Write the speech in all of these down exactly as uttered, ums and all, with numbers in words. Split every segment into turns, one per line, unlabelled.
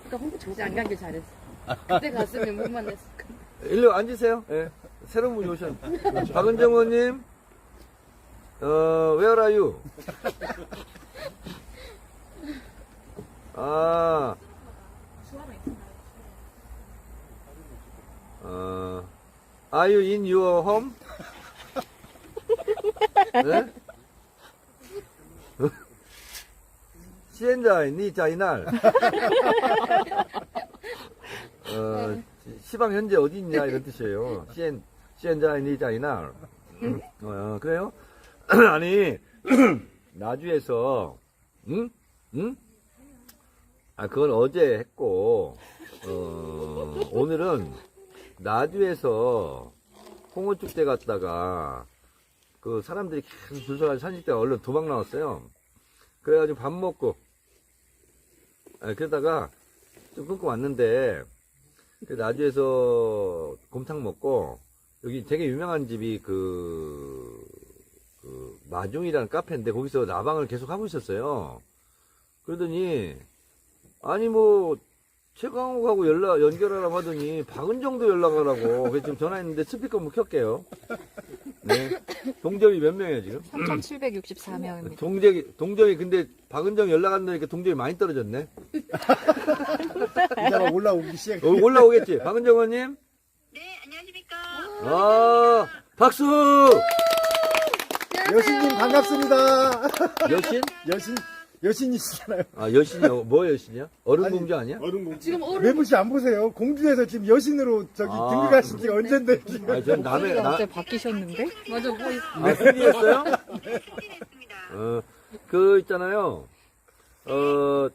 아까 홍보 정지 안 간 게 잘했어. 그때 갔으면 못 만났을 건데.
일로 앉으세요. 예. 새로운 분이 오셨는데. 박은정 의원님, 어, where are you? 아, 어, are you in your home? 네? 现在你在哪儿? 어, 시방 현재 어디 있냐 이런 뜻이에요. 现现在你在哪儿? 어, 그래요? 아니 나주에서 응? 응? 아 그건 어제 했고 어, 오늘은 나주에서 홍어축제 갔다가 그 사람들이 계속 줄 서가지고 사진 찍다가 얼른 도망 나왔어요. 그래가지고 밥 먹고 아, 그러다가 좀 끊고 왔는데 나주에서 곰탕 먹고 여기 되게 유명한 집이 그, 그 마중이라는 카페인데 거기서 라방을 계속 하고 있었어요. 그러더니 아니 뭐 최강욱하고 연락 연결하라고 하더니 박은정도 연락하라고 그래서 지금 전화했는데 스피커 한번 켤게요. 네. 동접이 몇 명이에요 지금?
삼천칠백육십사 명입니다.
동접이 동접이 근데 박은정 연락 안 되니까 동접이 많이 떨어졌네.
이따가 올라오기 시작.
어, 올라오겠지. 박은정 의원님.
네, 안녕하십니까.
아, 박수!
여신님 반갑습니다.
여신?
여신 여신이시잖아요.
아, 여신이요? 뭐 여신이야? 어른공주 아니야?
어른공주.
지금 어른
매무씨 안 보세요? 공주에서 지금 여신으로 저기
아.
등극하신 지가 언젠데. 지금.
아, 전 남의, 나,
어제 바뀌셨는데?
맞아 뭐
아, 승리했어요?
네, 승진했습니다.
어, 그, 있잖아요. 어,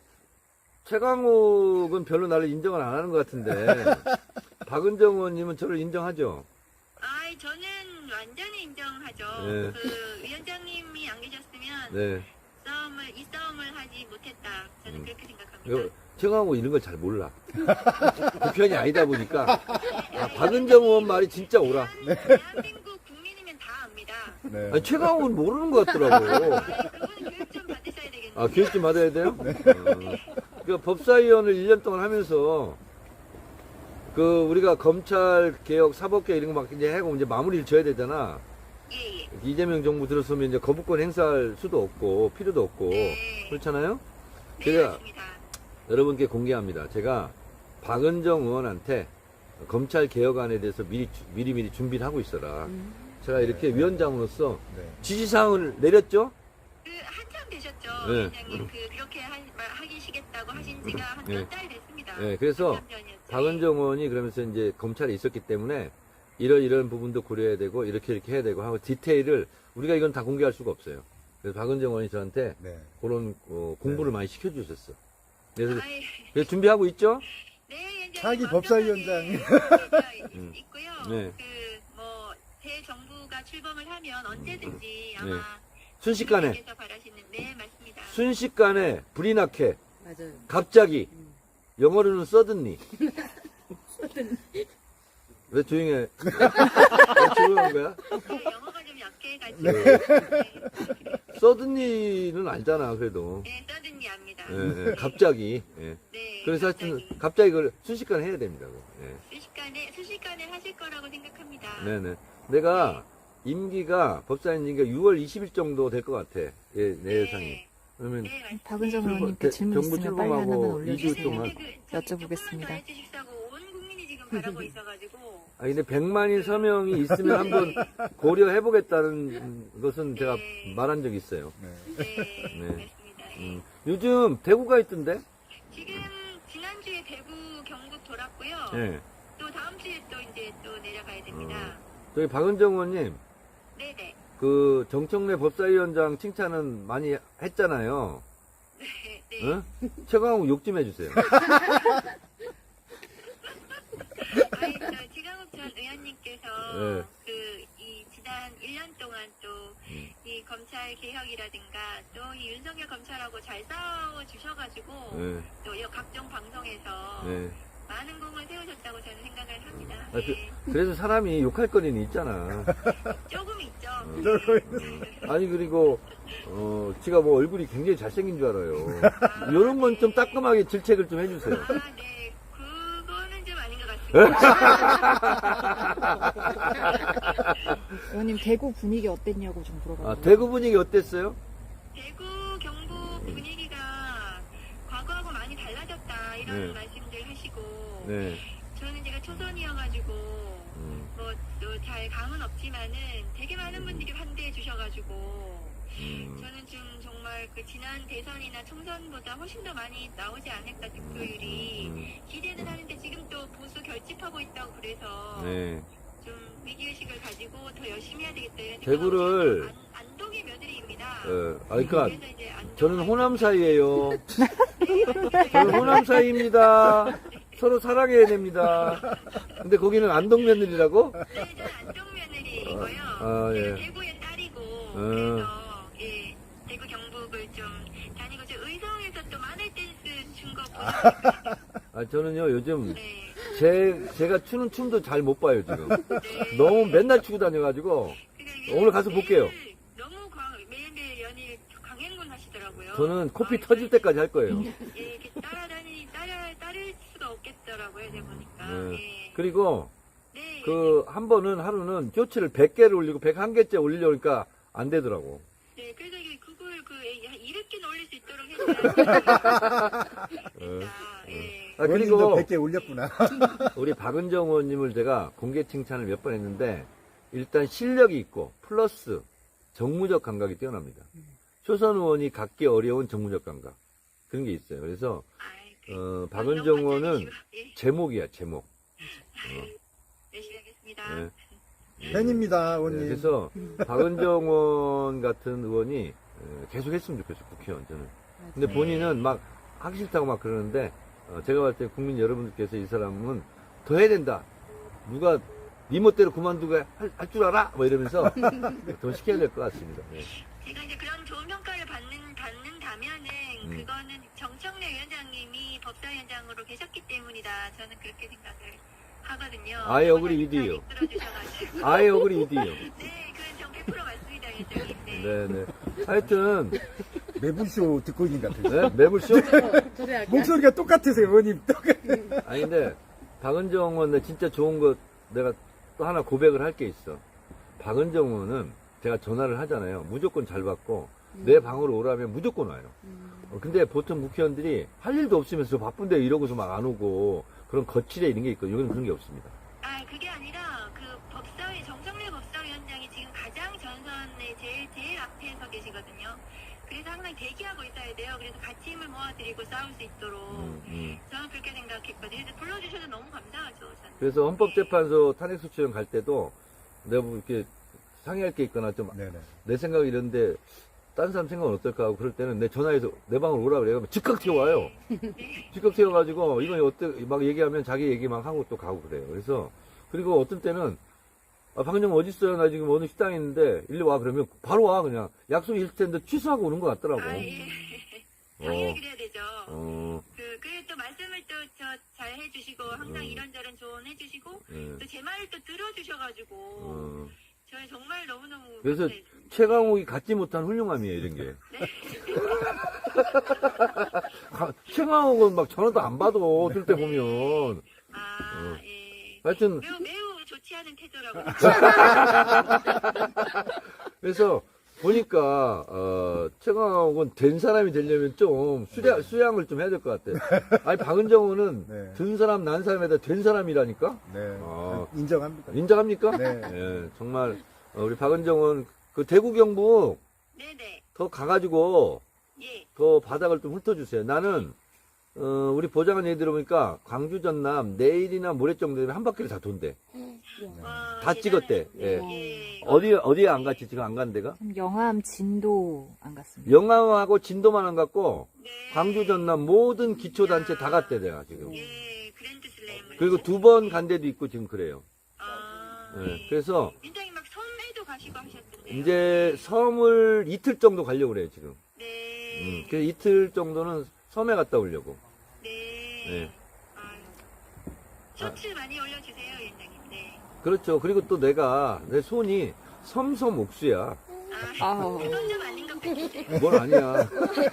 최강욱은 별로 나를 인정을 안 하는 것 같은데, 박은정 의원님은 저를 인정하죠?
아이, 저는 완전히 인정하죠.
네.
그 위원장님이 안 계셨으면
네.
싸움을 이 싸움을 하지 못했다. 저는
음.
그렇게 생각합니다.
이거, 최강욱 이런 걸 잘 몰라. 그 편이 아니다 보니까, 아, 박은정 의원 말이 진짜 옳아.
대한민국 국민이면 다 압니다.
네.
아니, 최강욱은 모르는 것 같더라고.
아이, 그분은 교육 좀 받으셔야 되겠네요.
아, 교육 좀 받아야 돼요? 어. 그 법사위원을 일 년 동안 하면서, 그, 우리가 검찰 개혁, 사법개혁 이런 거 막 이제 하고 이제 마무리를 져야 되잖아.
예, 예.
이재명 정부 들었으면 이제 거부권 행사할 수도 없고, 필요도 없고,
네.
그렇잖아요?
네,
제가
맞습니다.
여러분께 공개합니다. 제가 박은정 의원한테 검찰 개혁안에 대해서 미리, 주- 미리미리 준비를 하고 있어라. 제가 이렇게
네.
위원장으로서
네.
지시사항을 내렸죠?
그 한참 되셨죠,
네.
위원장님. 그 그렇게 하, 말- 하시겠다고 하신 지가 한
네.
몇 달 됐습니다.
네, 그래서
한참 전이었죠.
박은정 의원이 그러면서 이제 검찰에 있었기 때문에 이런 이런 부분도 고려해야 되고 이렇게 이렇게 해야 되고 하고 디테일을 우리가 이건 다 공개할 수가 없어요. 그래서 박은정 의원이 저한테
네.
그런 어, 공부를
네.
많이 시켜주셨어. 그래서,
아이,
그래서 준비하고 있죠?
네, 위원장님.
차기
완벽하게
법사위원장.
준비되어 있고요.
네.
그, 뭐, 새 정부가 출범을 하면 언제든지 아마.
네. 순식간에
국민께서 바라시는, 네, 맞습니다.
순식간에 불이 나게
맞아요.
갑자기 영어로는 suddenly 왜 조용해? 왜 조용한 거야?
네, 영어가 좀 약해가지고.
네.
네,
suddenly는 알잖아 그래도.
네, 써든지 압니다.
예, 예, 갑자기. 예.
네.
그래서
갑자기.
하여튼 갑자기 그걸 순식간에 해야 됩니다. 그거. 예.
순식간에, 순식간에 하실 거라고 생각합니다.
네네. 내가 임기가 법사위원 임기가 유월 이십일 정도 될 것 같아. 예, 내 예상이.
네,
그러면
네, 맞습니다.
박은정
출범-
의원님께
대-
질문
정부
있으면 빨리 하나만
출범하고 이 주
올려주세요.
동안.
근데 그, 저기
여쭤보겠습니다.
조금만 더 해주십사고 온 국민이 지금 바라고 있어가지고.
아 근데 백만인 서명이 있으면 한번 고려해 보겠다는 것은 제가
네.
말한 적이 있어요.
네.
네,
네.
맞습니다. 예.
음. 요즘 대구가 있던데?
지금 지난주에 대구 경북 돌았고요.
예.
또 다음 주에 또 이제 또 내려가야 됩니다.
저희 박은정 의원님,
네네.
그 정청래 법사위원장 칭찬은 많이 했잖아요.
네, 네.
응? 최강욱 욕 좀 해주세요.
아니, 저 지강욱 전 의원님께서
네.
그 이 지난 일 년 동안 또 이
음.
검찰 개혁이라든가 또 이 윤석열 검찰하고 잘 싸워 주셔가지고
예,
또 이 각종 방송에서
예.
많은 공을 세우셨다고 저는 생각을 합니다.
아, 그,
네.
그래도 사람이 욕할 거리는 있잖아.
조금 있죠.
아니, 그리고, 어, 제가 뭐 얼굴이 굉장히 잘생긴 줄 알아요. 요런 건 좀 따끔하게 질책을 좀 해주세요.
아, 네. 그거는 좀 아닌 것 같습니다.
의원님 대구 분위기 어땠냐고 좀 물어봐요.
아, 대구 분위기 어땠어요?
대구, 경북 분위기가 과거하고 많이 달라졌다 이런
네.
말씀들 하시고
네.
저는 제가 초선이어가지고
음,
뭐 또 잘 감은 없지만은 되게 많은 분들이 환대해 주셔가지고
음,
저는 좀 정말 그 지난 대선이나 총선보다 훨씬 더 많이 나오지 않을까 득표율이
음,
기대는 하는데 지금 또 보수 결집하고 있다고 그래서
네.
좀 위기의식을 가지고 더 열심히 해야 되겠다 이런
대구를-
생각을 안, 안동의 며느리입니다.
어, 아, 그러니까
그래서 이제 안동
저는 호남 사이예요. 저는 호남 사이입니다. 서로 사랑해야 됩니다. 근데 거기는 안동 며느리라고?
네, 저는 안동 며느리이고요.
아, 예.
제가 대구의 딸이고 그래서 예, 대구 경북을 좀 다니고 저 의성에서 또 마늘 댄스 춘거 보니까
아, 저는요, 요즘
네,
제, 제가 추는 춤도 잘 못 봐요, 지금.
네.
너무 맨날 추고 다녀가지고.
그러니까 이게
오늘 가서
매일
볼게요.
너무 광, 매일매일 연일 강행군 하시더라고요.
저는 코피
아,
터질 때까지 할 거예요.
예, 이렇게 따라다니 따라 따를 수가 없겠더라고요, 제가 보니까.
네.
예.
그리고
네.
그 한 번은 하루는 쇼츠를 백 개를 올리고 백일 개째 올리려니까 안 되더라고.
네, 그래서 이게 그걸 그 이백 개는 올릴 수 있도록 해줘야 진짜. 예.
아,
의원님도
그리고
백 개 올렸구나.
우리 박은정 의원님을 제가 공개 칭찬을 몇 번 했는데 일단 실력이 있고 플러스 정무적 감각이 뛰어납니다. 초선 의원이 갖기 어려운 정무적 감각 그런 게 있어요. 그래서
아이, 그,
어, 박은정 의원은
예,
제목이야 제목.
열심히 하겠습니다.
네.
팬입니다,
네,
의원님.
그래서 박은정 의원 같은 의원이 에, 계속 했으면 좋겠어 국회의원 저는. 근데 본인은 막 하기 싫다고 막 그러는데 어, 제가 봤을 때 국민 여러분들께서 이 사람은 더 해야 된다. 누가 네 멋대로 그만두고 할 줄 알아? 뭐 이러면서 더 시켜야 될 것 같습니다. 네.
제가 이제 그런 좋은 평가를 받는, 받는다면은,
음.
그거는 정청래 위원장님이 법사위원장으로 계셨기 때문이다. 저는 그렇게 생각을 하거든요.
I agree with you.
이끌어주셔가지고.
I agree with you.
네, 그건 전 백 퍼센트 맞습니다, 위원장님. 네.
네네. 하여튼
매불쇼 듣고 있는 것 같아요.
네? 매불쇼?
저도 약간
목소리가 똑같으세요, 의원님. 똑같-
아니 근데 박은정 의원 내 진짜 좋은 거 내가 또 하나 고백을 할 게 있어. 박은정 의원은 제가 전화를 하잖아요. 무조건 잘 받고 내 방으로 오라면 무조건 와요. 어, 근데 보통 국회의원들이 할 일도 없으면서 바쁜데 이러고서 막 안 오고 그런 거칠에 이런 게 있고 여기는 그런 게 없습니다.
아, 그게 아니라, 그 법사위, 정청래 법사위원장이 지금 가장 전선에 제일, 제일 앞에 서 계시거든요. 그래서 항상 대기하고 있어야 돼요. 그래서 같이 힘을 모아드리고 싸울 수 있도록.
음, 음.
저는 그렇게 생각했거든요. 그래서 불러주셔서 너무 감사하죠, 저는.
그래서 헌법재판소 탄핵소추연 갈 때도 내가 뭐 이렇게 상의할 게 있거나 좀 내
네네.
생각이 이런데 다른 사람 생각은 어떨까 하고 그럴 때는 내 전화해서 내 방으로 오라 그래요. 즉각 튀어와요. 즉각 튀어가지고 이건 어때 막 얘기하면 자기 얘기만 하고 또 가고 그래요. 그래서 그리고 어떤 때는 아, 박은정 어디 있어요? 나 지금 어느 식당에 있는데 일로 와 그러면 바로 와 그냥 약속이 있을 텐데 취소하고 오는 것 같더라고.
아, 예.
어.
당연히 그래야 되죠.
어,
그, 그래 또 말씀을 또 저 잘 해주시고, 항상
음.
이런저런 조언 해주시고,
예.
또 제 말을 또 들어주셔가지고,
어.
저는 정말 너무너무.
그래서
감사해요.
최강욱이 갖지 못한 훌륭함이에요 이런 게. 가- 최강욱은 막 전화도 안 받아 어떨 때 보면.
아, 예.
하여튼
매우, 매우 좋지 않은 태도라고.
그래서 보니까 어, 최강욱은 된 사람이 되려면 좀 수량, 수양을 좀 해야 될 것 같아. 아니 박은정은
네.
든 사람 난 사람에다 된 사람이라니까.
네.
아.
인정합니다.
인정합니까?
네.
예, 정말 어, 우리 박은정은 그 대구 경북
네네.
더 가가지고
예.
더 바닥을 좀 훑어주세요. 나는 어, 우리 보좌관 얘기 들어보니까 광주 전남 내일이나 모레 정도 되면 한 바퀴를 다 돈대.
와,
다 찍었대.
대단하시네.
예.
예.
어디 어디에 안 갔지 지금 안 간 데가?
영암, 진도 안 갔습니다.
영암하고 진도만 안 갔고
네.
광주 전남 모든 기초단체 다 갔대 내가 지금.
예, 그랜드 슬램을.
그리고 두 번 간 데도 있고 지금 그래요.
아,
예,
예.
그래서
굉장히 막 섬에도 가시고 하셨던데.
이제 섬을 이틀 정도 가려고 그래요 지금.
네.
음, 그래서 이틀 정도는 섬에 갔다 오려고.
네.
네.
아유, 쇼츠 많이 올려주세요, 위원장님. 네.
그렇죠. 그리고 또 내가, 내 손이 섬섬옥수야.
아,
아우.
그건 좀 아닌 것 같은데.
뭘 아니야.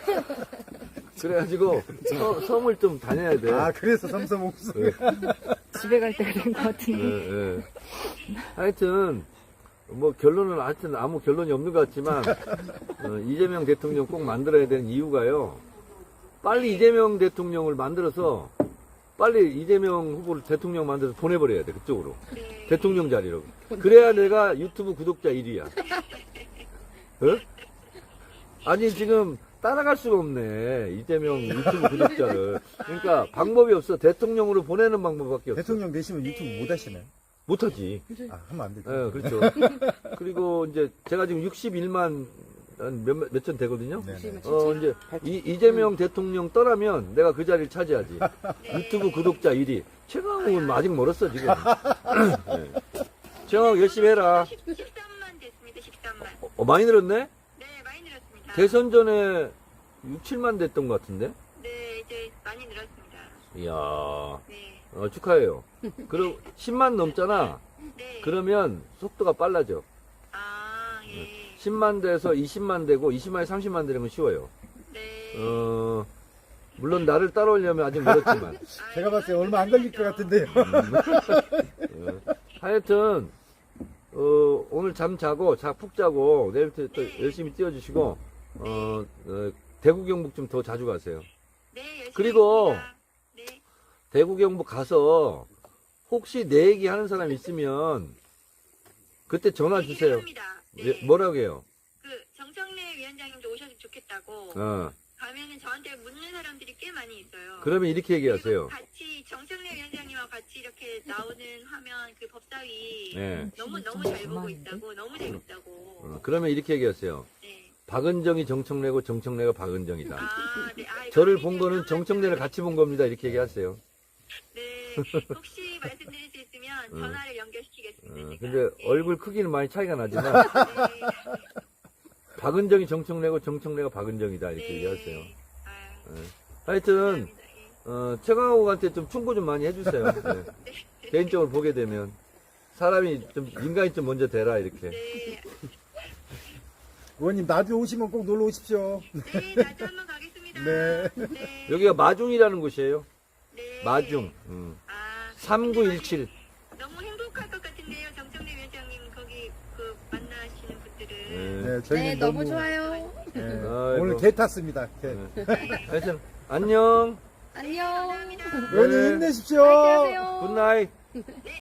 그래가지고, 서- 섬을 좀 다녀야 돼.
아, 그래서 삼성옥수.
네.
집에 갈 때가 된 것 같은데.
예, 예. 하여튼, 뭐, 결론은 하여튼 아무 결론이 없는 것 같지만, 어, 이재명 대통령 꼭 만들어야 되는 이유가요. 빨리 이재명 대통령을 만들어서, 빨리 이재명 후보를 대통령 만들어서 보내버려야 돼, 그쪽으로.
네.
대통령 자리로. 그래야 내가 유튜브 구독자 일 위야. 어? 아니, 지금 따라갈 수가 없네. 이재명 유튜브 구독자를. 그러니까 방법이 없어. 대통령으로 보내는 방법밖에 없어.
대통령 되시면 유튜브 못 하시나요?
못하지.
아, 하면 안 되죠.
예, 그렇죠. 그리고 이제 제가 지금 육십일만 몇, 몇천 되거든요.
네네.
어, 이제 이, 이재명 대통령 떠나면 내가 그 자리를 차지하지. 유튜브 구독자 일 위. 최강욱은 아직 멀었어, 지금. 네. 최강욱 열심히 해라.
십삼만 됐습니다, 십삼만.
어, 많이 늘었네?
네, 많이 늘었습니다.
대선 전에 육, 칠만 됐던 것 같은데?
네, 이제 많이 늘었습니다.
이야,
네.
어, 축하해요. 그럼 십만 넘잖아?
네.
그러면 속도가 빨라져.
아, 예.
십만 돼서 이십만 되고, 이십만에 삼십만 되는 건 쉬워요.
네.
어, 물론 나를 따라오려면 아직 멀었지만.
아,
제가 봤을 때 얼마 안 걸릴 것 같은데요.
어, 하여튼, 어, 오늘 잠 자고, 자, 푹 자고, 내일부터 또 열심히 뛰어주시고, 어, 어, 대구 경북 좀 더 자주 가세요.
네, 열심히
그리고
하겠습니다. 네.
대구 경북 가서, 혹시 내 얘기 하는 사람 있으면, 그때 전화 주세요.
합니다. 네.
예, 뭐라고 해요?
그 정청래 위원장님도 오셔서 좋겠다고
어,
가면은 저한테 묻는 사람들이 꽤 많이 있어요.
그러면 이렇게 얘기하세요.
그리고 같이 정청래 위원장님과 같이 이렇게 나오는 화면 그 법사위
네.
너무 너무 잘 보고 있다고 너무 재밌다고.
어, 그러면 이렇게 얘기하세요.
네.
박은정이 정청래고 정청래가 박은정이다.
아, 네. 아,
저를
이거
본 거는
굉장히
정청래를 같이 본 겁니다. 이렇게 얘기하세요.
네. 혹시 말씀드릴 수 있으면 전화를 연결시키겠습니다.
어,
제가.
근데
네.
얼굴 크기는 많이 차이가 나지만,
네.
박은정이 정청래고 정청래가 박은정이다. 이렇게
네.
얘기하세요.
아,
하여튼,
감사합니다. 예.
어, 최강욱한테 좀 충고 좀 많이 해주세요. 네. 개인적으로 보게 되면. 사람이 좀, 인간이 좀 먼저 되라, 이렇게.
네.
의원님, 나주 오시면 꼭 놀러 오십시오.
네, 나도 한번 가겠습니다.
네.
네.
여기가 마중이라는 곳이에요.
네.
마중. 음.
아,
삼구일칠.
너무 행복할 것 같은데요, 정청래 위원장님 거기 그 만나시는 분들은.
네.
네, 저희는
네, 너무 좋아요.
네,
아이고.
오늘 개 탔습니다. 개.
네. 하여튼, 안녕.
안녕.
감사합니다.
의원님
네.
힘내십시오.
파이팅 하세요.
굿나잇.